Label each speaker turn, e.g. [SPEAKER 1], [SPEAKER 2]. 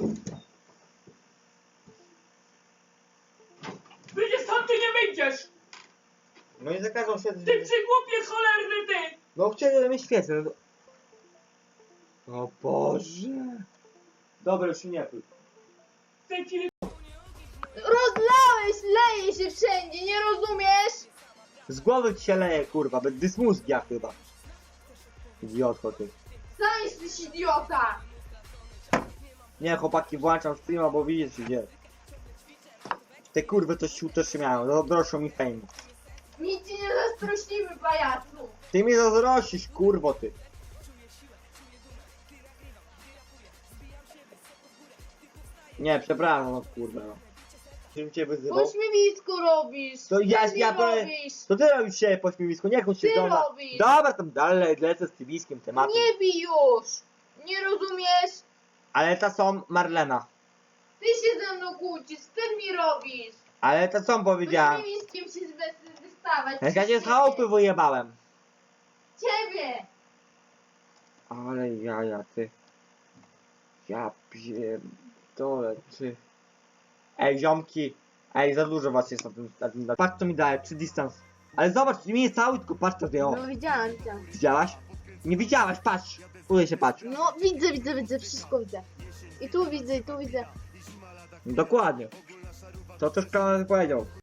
[SPEAKER 1] Wyjdziesz stąd, ty nie wyjdziesz!
[SPEAKER 2] No i zakazał się...
[SPEAKER 1] Ty przygłupie cholerny ty!
[SPEAKER 2] No chcieli mnie świecę. O Boże. Dobra, już się nie pluj.
[SPEAKER 1] W tej chwili
[SPEAKER 3] Rozlałeś, leje się wszędzie, nie rozumiesz?
[SPEAKER 2] Z głowy ci się leje, kurwa, bez dysmózgia chyba. Idiotko ty.
[SPEAKER 3] Sam jesteś idiota!
[SPEAKER 2] Nie, chłopaki, włączam streama, bo widzisz gdzie. Te kurwy to sił też się miają, zazdroszczą mi fame.
[SPEAKER 3] Nic ci nie zazdrościmy, pajacu!
[SPEAKER 2] Ty mi zazdrościsz, kurwo ty. Nie, przepraszam, no kurwa no. Żebym cię wyzywał.
[SPEAKER 3] Pośmiewisko robisz!
[SPEAKER 2] To ja,
[SPEAKER 3] Ty
[SPEAKER 2] ja
[SPEAKER 3] nie
[SPEAKER 2] to...
[SPEAKER 3] robisz!
[SPEAKER 2] To ty robisz się po śmiewisku, niech on się
[SPEAKER 3] Ty
[SPEAKER 2] doma...
[SPEAKER 3] robisz.
[SPEAKER 2] Dobra, tam dalej lecę z tybiskim tematem.
[SPEAKER 3] Nie bij już! Nie rozumiesz?
[SPEAKER 2] Ale to są Marlena.
[SPEAKER 3] Ty się ze mną kłócisz, ty mi robisz!
[SPEAKER 2] Ale to co powiedziałem?
[SPEAKER 3] Pośmiewiskiem się wystawać!
[SPEAKER 2] Jak ja cię z
[SPEAKER 3] Ciebie.
[SPEAKER 2] chałupy wyjebałem.
[SPEAKER 3] Ciebie!
[SPEAKER 2] Ale jaja, ty. Ja pierdolę, ty. Ej, ziomki. Ej, za dużo was jest na tym. Patrz co mi daje, przy dystans. Ale zobacz, nie jest cały, tylko patrz co zdjęło.
[SPEAKER 3] No widziałam, widziałam.
[SPEAKER 2] Widziałaś? Nie widziałaś, patrz. Udaj się, patrz.
[SPEAKER 3] No widzę, wszystko widzę. I tu widzę, i tu widzę.
[SPEAKER 2] Dokładnie. To też Kamal powiedział.